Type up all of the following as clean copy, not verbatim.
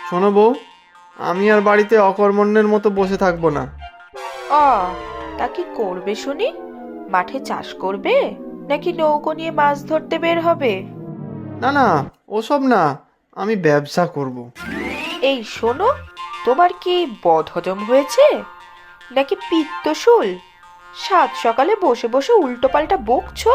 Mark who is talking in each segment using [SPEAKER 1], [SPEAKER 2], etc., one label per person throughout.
[SPEAKER 1] শোনো বউ, আমি আর বাড়িতে অকর্মণ্যের মতো বসে থাকবো না।
[SPEAKER 2] অ তা কি করবে শুনি? মাঠে চাষ করবে নাকি নৌকো নিয়ে মাছ ধরতে বের হবে?
[SPEAKER 1] না না, ওসব না, আমি ব্যবসা করব।
[SPEAKER 2] এই শোনো, তোমার কি বদহজম হয়েছে নাকি পিত্তশুল? সাত সকালে বসে বসে উল্টো পাল্টা বকছো।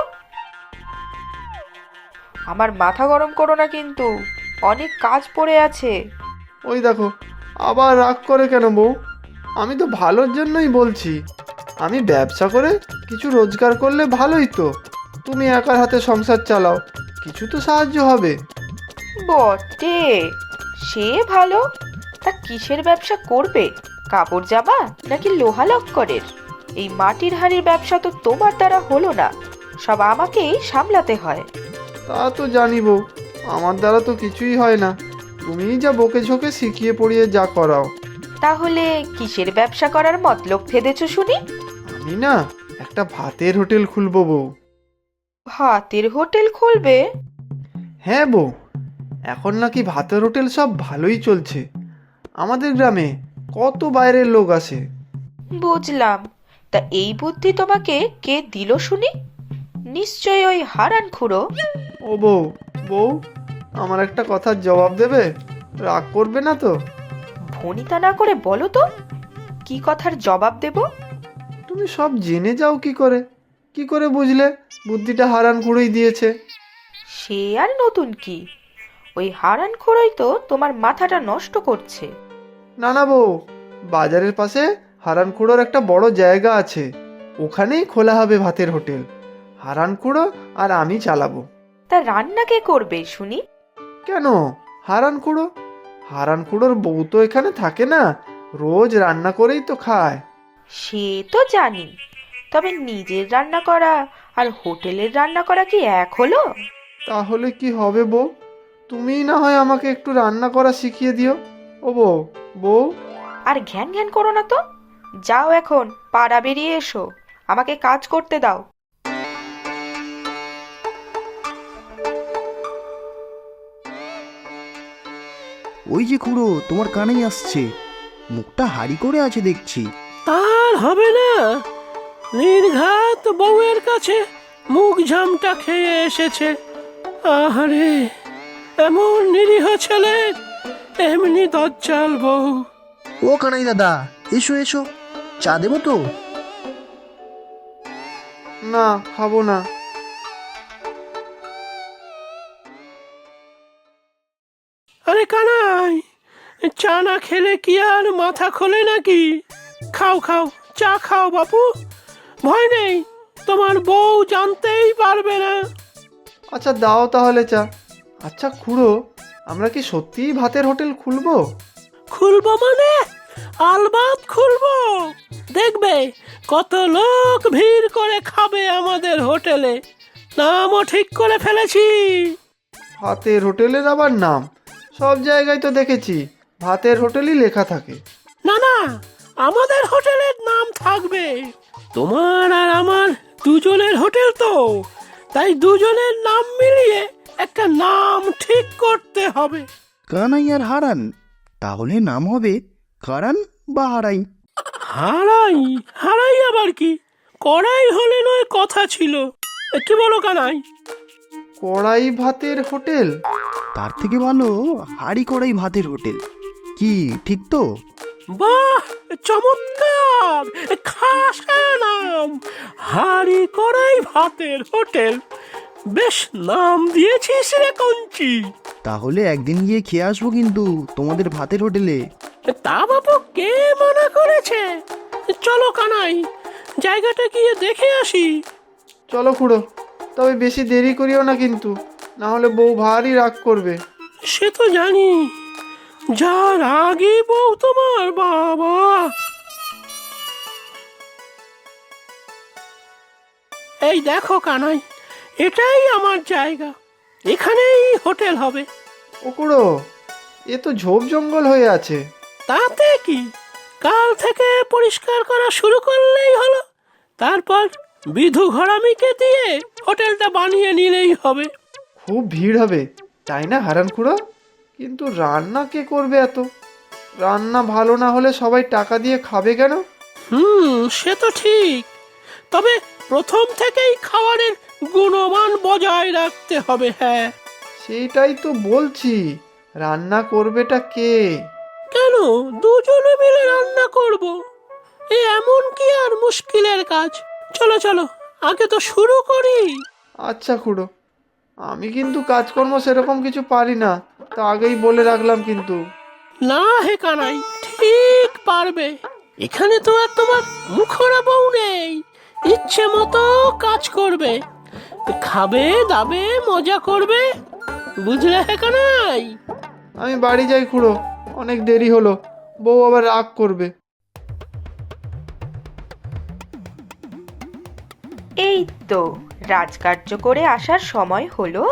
[SPEAKER 2] আমার মাথা গরম করো না কিন্তু, অনেক কাজ পড়ে আছে।
[SPEAKER 1] ওই দেখো, আবার রাগ করে কেন বউ? আমি তো ভালোর জন্যই বলছি। আমি ব্যবসা করে কিছু রোজগার করলে ভালোই তো। তুমি একার হাতে সংসার চালাও, কিছু তো সাহায্য হবে।
[SPEAKER 2] বটে, সে ভালো। তা কিসের ব্যবসা করবে? কাপড় জামা নাকি লোহা লক্করের? এই মাটির হাঁড়ির ব্যবসা তো তোমার দ্বারা হলো না, সব আমাকেই সামলাতে হয়।
[SPEAKER 1] তা তো জানি বউ, আমার দ্বারা তো কিছুই হয় না। তুমিই যা বকে ঝোঁকে শিখিয়ে পড়িয়ে যা করাও।
[SPEAKER 2] তাহলে কিসের ব্যবসা করার মতলব ফেদেছো শুনি?
[SPEAKER 1] আমি না, একটা ভাতের হোটেল খুলবো বউ।
[SPEAKER 2] ভাতের হোটেল খুলবে?
[SPEAKER 1] হ্যাঁ বউ, এখন নাকি ভাতের হোটেল সব ভালোই চলছে। আমাদের গ্রামে কত বাইরের লোক আসে।
[SPEAKER 2] বুঝলাম। তা এই বুদ্ধি তোমাকে কে দিল শুনি? নিশ্চয়ই ওই হারান খুড়ো।
[SPEAKER 1] ও বউ, বউ, আমার একটা কথার জবাব দেবে? রাগ করবে না তো?
[SPEAKER 2] ভনিতা না করে বলো তো, কি কথার জবাব দেব?
[SPEAKER 1] তুমি সব জেনে যাও কি করে? কি করে বুঝলে বুদ্ধিটা হারান খুঁড়োই দিয়েছে?
[SPEAKER 2] সে আর নতুন কি, ওই হারান খুড়োই তো তোমার মাথাটা নষ্ট করছে।
[SPEAKER 1] না না বউ, বাজারের পাশে হারান খুঁড়োর একটা বড় জায়গা আছে, ওখানেই খোলা হবে ভাতের হোটেল। হারান খুঁড়ো আর আমি চালাবো।
[SPEAKER 2] তা রান্না কে করবে শুনি?
[SPEAKER 1] কেন? হারান খুঁড়ো। হারান খুঁড়োর বউ তো এখানে থাকে না, রোজ রান্না করেই তো খায়।
[SPEAKER 2] সে তো জানি, তবে নিজের রান্না করা আর হোটেলের রান্না করা কি এক হলো?
[SPEAKER 1] তাহলে কি হবে বউ? তুমিই না হয় আমাকে একটু রান্না করা শিখিয়ে দিও। ও বউ, বউ।
[SPEAKER 2] আর ঘ্যান ঘ্যান করো না তো, যাও এখন পাড়া বেরিয়ে এসো, আমাকে কাজ করতে দাও।
[SPEAKER 3] ওই যে খুড়ো তোমার কানেই আসছে, মুখটা হাড়ি করে আছে দেখছি।
[SPEAKER 4] তার হবে না, নির্ঘাত বউয়ের কাছে মুখ ঝামটা খেয়ে এসেছে। আহারে, এমন নিরীহ ছেলে, এমনি দজ্জাল বউ।
[SPEAKER 3] ও কানাই দাদা, এসো এসো, চা দেবো তো?
[SPEAKER 1] না, খাবো না।
[SPEAKER 4] আরে কানাই, চা না খেলে কি আর মাথা খোলে নাকি? খাও খাও, চা খাও বাপু, ভয় নেই, তোমার বউ জানতেই পারবে না।
[SPEAKER 1] আচ্ছা দাও তাহলে চা। আচ্ছা খুড়ো, আমরা কি সত্যিই ভাতের হোটেল খুলবো?
[SPEAKER 4] খুলবো মানে? আলবাত খুলবো। দেখবে কত লোক ভিড় করে খাবে আমাদের হোটেলে। নামও ঠিক করে ফেলেছি।
[SPEAKER 1] ভাতের হোটেলের আবার নাম? সব জায়গায় তো দেখেছি ভাতের হোটেলই লেখা থাকে।
[SPEAKER 4] না না, আমাদের হোটেলের নাম থাকবে। তোমার আর আমার দুজনের হোটেল তো, তাই দুজনের নাম মিলিয়ে একটা নাম ঠিক করতে হবে।
[SPEAKER 3] কানাই আর হারান, তাহলে নাম হবে কারান বা হারাই।
[SPEAKER 4] হারাই? হারাই আবার কি? কড়াই হলে নয় কথা ছিল। কি বলো কানাই?
[SPEAKER 1] কড়াই ভাতের হোটেল?
[SPEAKER 3] তার থেকে ভালো হাড়ি কড়াই ভাতের হোটেল। কি ঠিক তো?
[SPEAKER 4] বাহ, চমৎকার, খাসা নাম, হাড়ি কড়াই ভাতের হোটেল। বেশ নাম দিয়েছিস রে কঞ্চি।
[SPEAKER 3] তাহলে একদিন গিয়ে খেয়ে আসবো কিন্তু তোমাদের ভাতের হোটেলে।
[SPEAKER 4] তা বাবু, কে মানা করেছে? চলো কানাই, জায়গাটা গিয়ে দেখে আসি।
[SPEAKER 1] চলো খুড়ো, তবে বেশি দেরি করিও না কিন্তু, না হলে বউ ভারী রাগ করবে।
[SPEAKER 4] সে তো জানি, যার আগে বউ তোমার, বাবা। এই দেখো কানাই, এটাই আমার জায়গা, এখানেই হোটেল হবে।
[SPEAKER 1] ও খুড়ো, এ তো ঝোপ জঙ্গল হয়ে আছে।
[SPEAKER 4] তাতে কি, কাল থেকে পরিষ্কার করা শুরু করলেই হলো। তারপর বিধু ঘরামিকে দিয়ে হোটেলটা বানিয়ে নিলেই হবে।
[SPEAKER 1] খুব ভিড় হবে, তাই না হারান খুড়ো? কিন্তু রান্না কে করবে এত? রান্না ভালো না হলে সবাই টাকা দিয়ে খাবে কেন?
[SPEAKER 4] সে তো ঠিক। তবে প্রথম থেকেই খাবারের গুণমান বজায় রাখতে হবে। হ্যাঁ,
[SPEAKER 1] সেইটাই তো বলছি, রান্না করবেটা কে?
[SPEAKER 4] কেন দুজনে মিলে রান্না করব? এমন কি আর মুশকিলের কাজ? চলো চলো, আগে তো শুরু করি।
[SPEAKER 1] আচ্ছা খুড়ো, আমি কিন্তু কাজকর্ম সেরকম কিছু পারি না, তা আগেই বলে রাখলাম কিন্তু।
[SPEAKER 4] না হে কানাই, ঠিক পারবে। এখানে তো আর তোমার মুখরা বউ নেই, ইচ্ছে মতো কাজ করবে, খাবে দাবে মজা করবে, বুঝলে হে কানাই?
[SPEAKER 1] আমি বাড়ি যাই খুড়ো, অনেক দেরি হলো, বউ আবার রাগ করবে।
[SPEAKER 2] এই তো রাজকার্য করে আসার সময় হলো।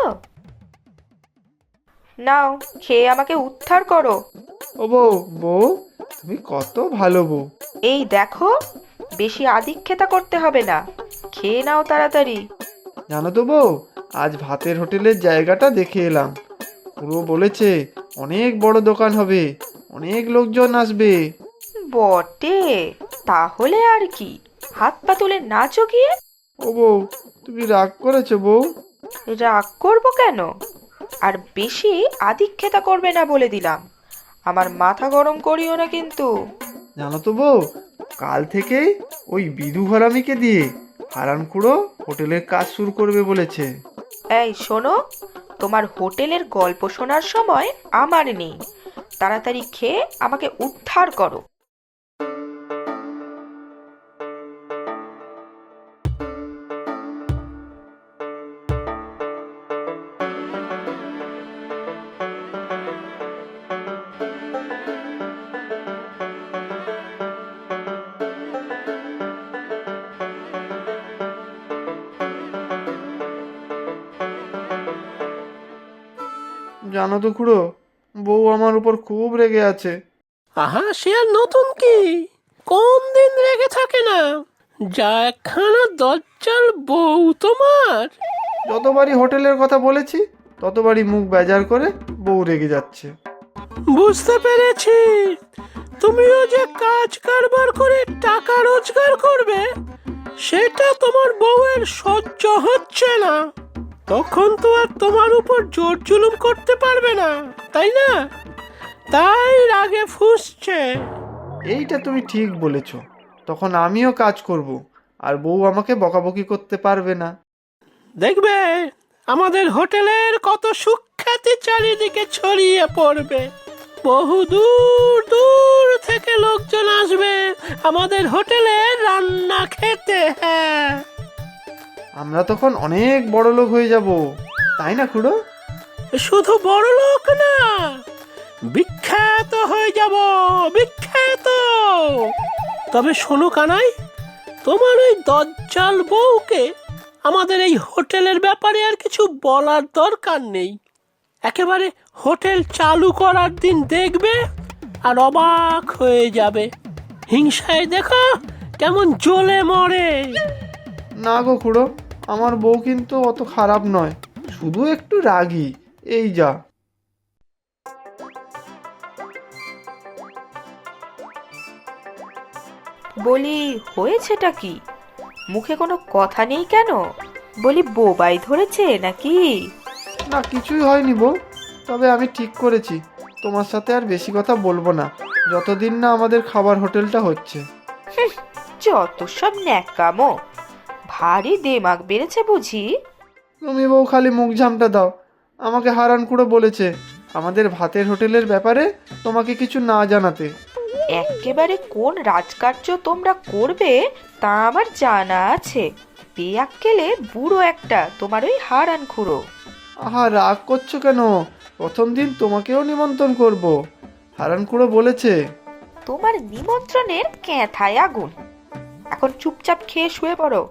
[SPEAKER 2] নাও, খেয়ে আমাকে উদ্ধার করো।
[SPEAKER 1] ও বউ, বউ তুমি কত ভালো বউ।
[SPEAKER 2] এই দেখো, বেশি আদিক্ষেতা করতে হবে না, খেয়ে নাও তাড়াতাড়ি।
[SPEAKER 1] জানো তো বউ, আজ ভাতের হোটেলের জায়গাটা দেখে এলাম। পুরো বলেছে অনেক বড় দোকান হবে, অনেক লোকজন আসবে।
[SPEAKER 2] বটে, তাহলে আর কি, হাত পা তুলে নাচো গিয়ে।
[SPEAKER 1] ও বউ, তুমি রাগ করেছো বউ?
[SPEAKER 2] রাগ করবো কেন? আর বেশি আদিক্ষেতা করবে না বলে দিলাম, আমার মাথা গরম করিও না কিন্তু।
[SPEAKER 1] জানো তো বউ, কাল থেকেই ওই বিধু ঘরামিকে দিয়ে হারান খুড়ো হোটেলের কাজ শুরু করবে বলেছে।
[SPEAKER 2] এই শোনো, তোমার হোটেলের গল্প শোনার সময় আমার নেই, তাড়াতাড়ি খেয়ে আমাকে উদ্ধার করো।
[SPEAKER 1] জানো তো খুড়ো, বউ আমার উপর খুব রেগে আছে।
[SPEAKER 4] আহা, সে আর নতুন কি, কোন দিন রেগে থাকে না? যা একখানা দজ্জাল বউ তোমার।
[SPEAKER 1] যতবারই হোটেলের কথা বলেছি ততবারই মুখ বেজার করে বউ রেগে যাচ্ছে।
[SPEAKER 4] বুঝতে পেরেছি, তুমিও যে কাজ কারবার করে টাকা রোজগার করবে সেটা তোমার বউয়ের সহ্য হচ্ছে না। তখন তো আর তোমার উপর জোর জুলুম করতে পারবে না, তাই না? তাই রাগে ফুঁসছে।
[SPEAKER 1] এইটা তুমি ঠিক বলেছ, তখন আমিও কাজ করব, আর বউ আমাকে বকাবকি করতে পারবে না।
[SPEAKER 4] দেখবে আমাদের হোটেলের কত সুখ্যাতি চারিদিকে ছড়িয়ে পড়বে, বহু দূর দূর থেকে লোকজন আসবে আমাদের হোটেলে রান্না খেতে। হ্যাঁ,
[SPEAKER 1] আমরা তখন অনেক বড় লোক হয়ে যাব, তাই না খুড়ো?
[SPEAKER 4] শুধু বড় লোক না, বিখ্যাত হয়ে যাব, বিখ্যাত। তবে শোনো কানাই, তোমার ওই দজ্জাল বউকে আমাদের এই হোটেলের ব্যাপারে আর কিছু বলার দরকার নেই। একেবারে হোটেল চালু করার দিন দেখবে আর অবাক হয়ে যাবে, হিংসায় দেখো কেমন জ্বলে মরে।
[SPEAKER 1] না গো খুড়ো, আমার বউ কিন্তু অত খারাপ নয়, শুধু একটু রাগী, এই যা।
[SPEAKER 2] বলি, হয়েছেটা কি? মুখে কোনো কথা নেই কেন? বলি, বোবাই ধরেছে নাকি?
[SPEAKER 1] না, কিছুই হয়নি বউ, তবে আমি ঠিক করেছি তোমার সাথে আর বেশি কথা বলবো না, যতদিন না আমাদের খাবার হোটেলটা হচ্ছে।
[SPEAKER 2] যত সব ন্যাকামো, ভারী দেমাগ বেড়েছে বুঝি।
[SPEAKER 1] তুমি বউ খালি মুখ ঝামটা দাও, আমাকে হারান খুড়ো বলেছে আমাদের ভাতের হোটেলের ব্যাপারে তোমাকে কিছু না জানাতে।
[SPEAKER 2] একেবারে কোন রাজকার্য তোমরা করবে তা আমার জানা আছে। বেয়াক্কেলে বুড়ো একটা তোমার ওই হারান খুড়ো।
[SPEAKER 1] আহা, রাগ করছো কেন? প্রথম দিন তোমাকেও নিমন্ত্রণ করব, হারান খুড়ো বলেছে।
[SPEAKER 2] তোমার নিমন্ত্রণের ক্যাঁথায় আগুন। এখন চুপচাপ খেয়ে শুয়ে পড়ো।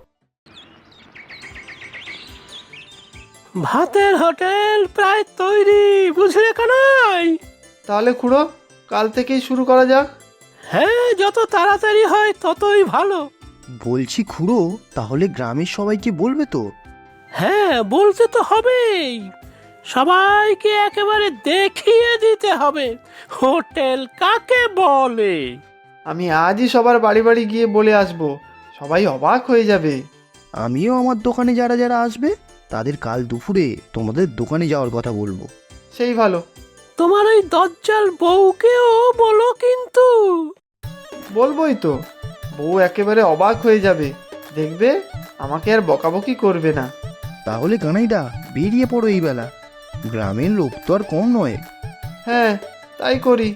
[SPEAKER 4] ভাতের হোটেল প্রায় তৈরি, বুঝলে কানাই?
[SPEAKER 1] তাহলে খুড়ো, কাল থেকেই শুরু করা যাক।
[SPEAKER 4] হ্যাঁ, যত তাড়াতাড়ি হয় ততই ভালো।
[SPEAKER 3] বলছি খুড়ো, তাহলে গ্রামের সবাইকে বলবে তো?
[SPEAKER 4] হ্যাঁ, বলতে তো হবেই। সবাইকে একেবারে দেখিয়ে দিতে হবে হোটেল কাকে বলে।
[SPEAKER 1] আমি আজই সবার বাড়ি বাড়ি গিয়ে বলে আসব, সবাই অবাক হয়ে যাবে।
[SPEAKER 3] আমিও আমার দোকানে যারা যারা আসবে তাদের কাল দুপুরে তোমাদের দোকানে যাওয়ার কথা বলবো।
[SPEAKER 1] সেই ভালো।
[SPEAKER 4] তোমার ওই দজ্জাল বউকেও বলো কিন্তু।
[SPEAKER 1] বলবোই তো, বউ একেবারে অবাক হয়ে যাবে, দেখবে আমাকে আর বকাবকি করবে না।
[SPEAKER 3] তাহলে কানাইদা বেরিয়ে পড়ো এই বেলা, গ্রামের লোক তো আর কম নয়।
[SPEAKER 1] হ্যাঁ, তাই করি।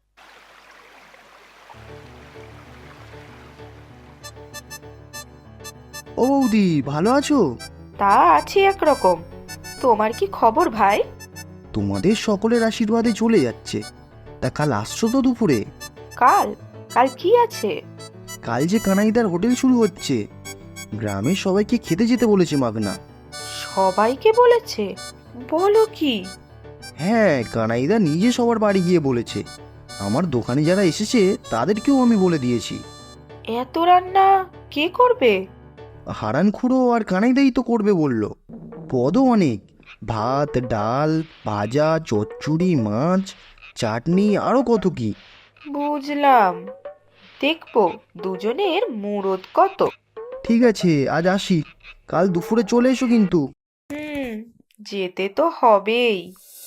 [SPEAKER 3] ও বৌদি, ভালো আছো?
[SPEAKER 2] তা আছি একরকম। তোমার কি খবর ভাই?
[SPEAKER 3] তোমাদের সকলের আশীর্বাদে চলে যাচ্ছে। তা কাল আসছো তো দুপুরে?
[SPEAKER 2] কাল? কাল কি আছে?
[SPEAKER 3] কাল যে কানাইদার হোটেল শুরু হচ্ছে, গ্রামের সবাইকে খেতে যেতে বলেছে মাগনা।
[SPEAKER 2] সবাইকে বলেছে? বলো কি?
[SPEAKER 3] হ্যাঁ, কানাইদা নিজে সবার বাড়ি গিয়ে বলেছে। আমার দোকানে যারা এসেছে তাদেরকেও আমি বলে দিয়েছি।
[SPEAKER 2] এত রান্না কে করবে?
[SPEAKER 3] হারান খুড়ো আর কানাইদাই তো করবে বলল। পদও অনেক, ভাত, ডাল, ভাজা, চচ্চড়ি, মাছ, চাটনি, আরও কত কি।
[SPEAKER 2] বুঝলাম। দেখবো দুজনের মুরদ কত।
[SPEAKER 3] ঠিক আছে, আজ আসি, কাল দুপুরে চলে এসো কিন্তু।
[SPEAKER 2] যেতে তো হবেই।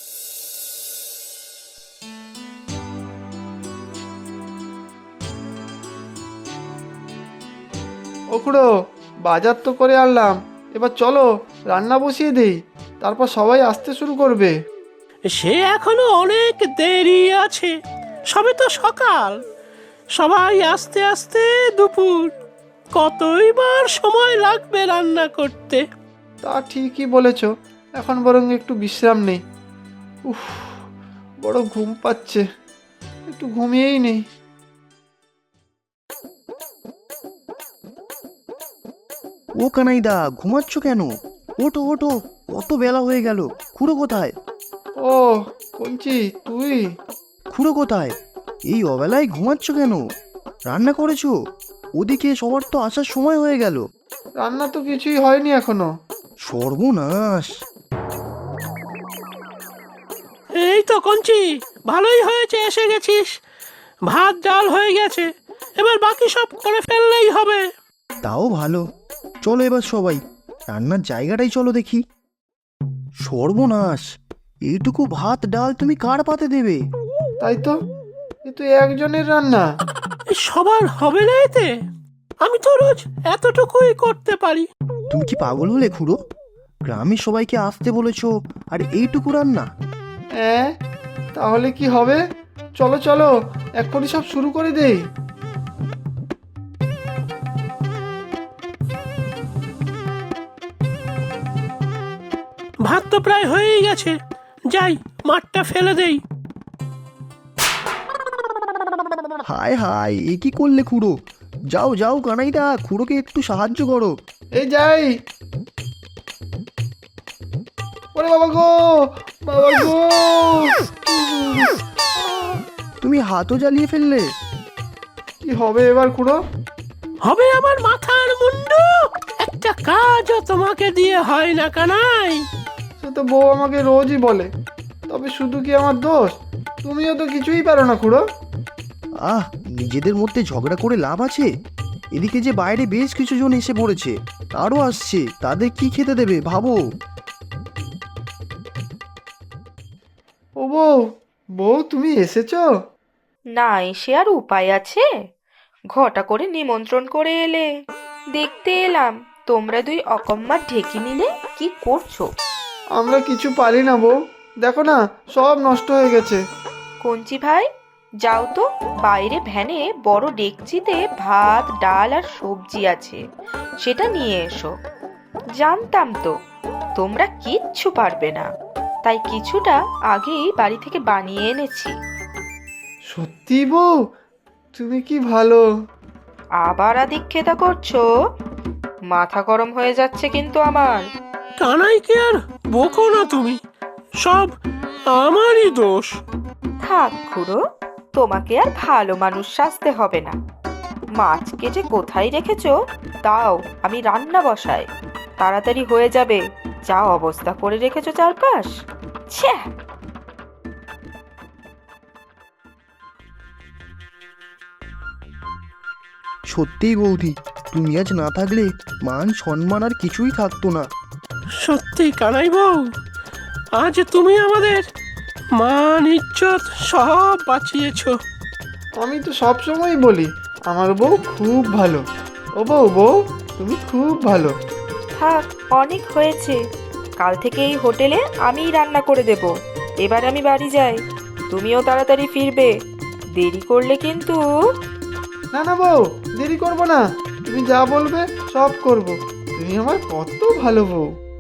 [SPEAKER 1] ও খুড়ো, বাজার তো করে আনলাম, এবার চলো রান্না বসিয়ে দেই, তারপর সবাই আসতে শুরু করবে।
[SPEAKER 4] সে এখনো অনেক দেরি আছে, সবে তো সকাল। সবাই আস্তে আস্তে দুপুর, কতই বার সময় লাগবে রান্না করতে।
[SPEAKER 1] তা ঠিকই বলেছ, এখন বরং একটু বিশ্রাম নেই। উফ, বড় ঘুম পাচ্ছে, একটু ঘুমিয়েই নেই।
[SPEAKER 3] ও কানাইদা, ঘুমাচ্ছ কেন? ওঠো ওঠো, কত বেলা হয়ে গেল। খুড়ো কোথায়?
[SPEAKER 1] ও কঞ্চি, তুই?
[SPEAKER 3] খুড়ো কোথায়? এই অবেলায় ঘুমাচ্ছ কেন? রান্না করেছো? ওদিকে সবার তো আসার সময় হয়ে গেল।
[SPEAKER 1] রান্না তো কিছুই হয়নি এখনো।
[SPEAKER 3] সর্বনাশ!
[SPEAKER 4] এই তো কঞ্চি, ভালোই হয়েছে এসে গেছিস। ভাত ডাল হয়ে গেছে, এবার বাকি সব করে ফেললেই হবে।
[SPEAKER 3] তাও ভালো। চলো এবার সবাই রান্নার জায়গাটাই চলো দেখি। সর্বনাশ! এইটুকু ভাত ডাল তুমি কার পাতে দেবে?
[SPEAKER 1] তাই তো, এ তো একজনের রান্না।
[SPEAKER 4] এই সবার হবে না এতে? আমি তো রোজ এতটুকুই করতে পারি।
[SPEAKER 3] তুমি কি পাগল হলে খুড়ো? গ্রামের সবাইকে আসতে বলেছো আর এইটুকু রান্না?
[SPEAKER 1] হ্যাঁ, তাহলে কি হবে? চলো চলো, এক্ষুনি সব শুরু করে দেই।
[SPEAKER 4] ভাত তো প্রায় হয়েই গেছে, যাই মাঠটা ফেলে দেই।
[SPEAKER 3] হায় হায়, এ কি করলে খুড়ো? যাও যাও কানাইদা, খুড়োকে একটু সাহায্য করো।
[SPEAKER 1] এই যাই। ওরে বাবা গো, বাবা গো!
[SPEAKER 3] তুমি হাতও জ্বালিয়ে ফেললে।
[SPEAKER 1] কি হবে এবার খুড়ো?
[SPEAKER 4] হবে আমার মাথার মুন্ডু। একটা কাজও তোমাকে দিয়ে হয় না কানাই।
[SPEAKER 1] সে তো বউ আমাকে রোজই বলে, তবে শুধু কি আমার দোষ? তুমিও তো কিছুই পারো না খুড়ো।
[SPEAKER 3] আহ, নিজেদের মধ্যে ঝগড়া করে লাভ আছে? এদিকে যে বাইরে বেশ কিছু জন এসে পড়েছে, আরও আসছে, তাদের কি খেতে দেবে ভাবো।
[SPEAKER 1] ও বউ, বউ তুমি এসেছো?
[SPEAKER 2] না এসে আর উপায় আছে? ঘটা করে নিমন্ত্রণ করে এলে, দেখতে এলাম তোমরা দুই অকম্মার ঢেকি নিলে কি করছো।
[SPEAKER 1] আমরা কিছু পারি না বউ, দেখো না সব নষ্ট হয়ে গেছে।
[SPEAKER 2] কঞ্চি ভাই, যাও তো, বাইরে ভ্যানে বড় ডেকচিতে ভাত ডাল আর সবজি আছে, সেটা নিয়ে এসো। জানতাম তো তোমরা কিচ্ছু পারবে না, তাই কিছুটা আগেই বাড়ি থেকে বানিয়ে এনেছি।
[SPEAKER 1] সত্যি বউ, তুমি কি ভালো।
[SPEAKER 2] আবার আদিক্ষেতা করছো? মাথা গরম হয়ে যাচ্ছে কিন্তু আমার।
[SPEAKER 4] কানাইকে আর বকো না তুমি, সব আমারই দোষ।
[SPEAKER 2] থাক খুড়ো, তোমাকে আর ভালো মানুষ সাজতে হবে না। মাছ কেটে কোথায় রেখেছো দাও, আমি রান্না বসাই, তাড়াতাড়ি হয়ে যাবে। যা অবস্থা করে রেখেছো চারপাশ। ছ্যা।
[SPEAKER 3] সত্যিই বৌদি, তুমি আজ না থাকলে মান সম্মান আর কিছুই থাকতো না।
[SPEAKER 4] সত্যি কানাই বউ, আজ তুমি আমাদের মান ইজ্জত সব বাঁচিয়েছো।
[SPEAKER 1] আমি তো সব সময় বলি আমার বউ খুব ভালো। ও বউ, বউ তুমি খুব ভালো।
[SPEAKER 2] থাক, অনেক হয়েছে। কাল থেকে এই হোটেলে আমিই রান্না করে দেব। এবার আমি বাড়ি যাই, তুমিও তাড়াতাড়ি ফিরবে। দেরি করলে কিন্তু।
[SPEAKER 1] না না বউ, দেরি করবো না, তুমি যা বলবে সব করব। তুমি আমার কত ভালো বউ।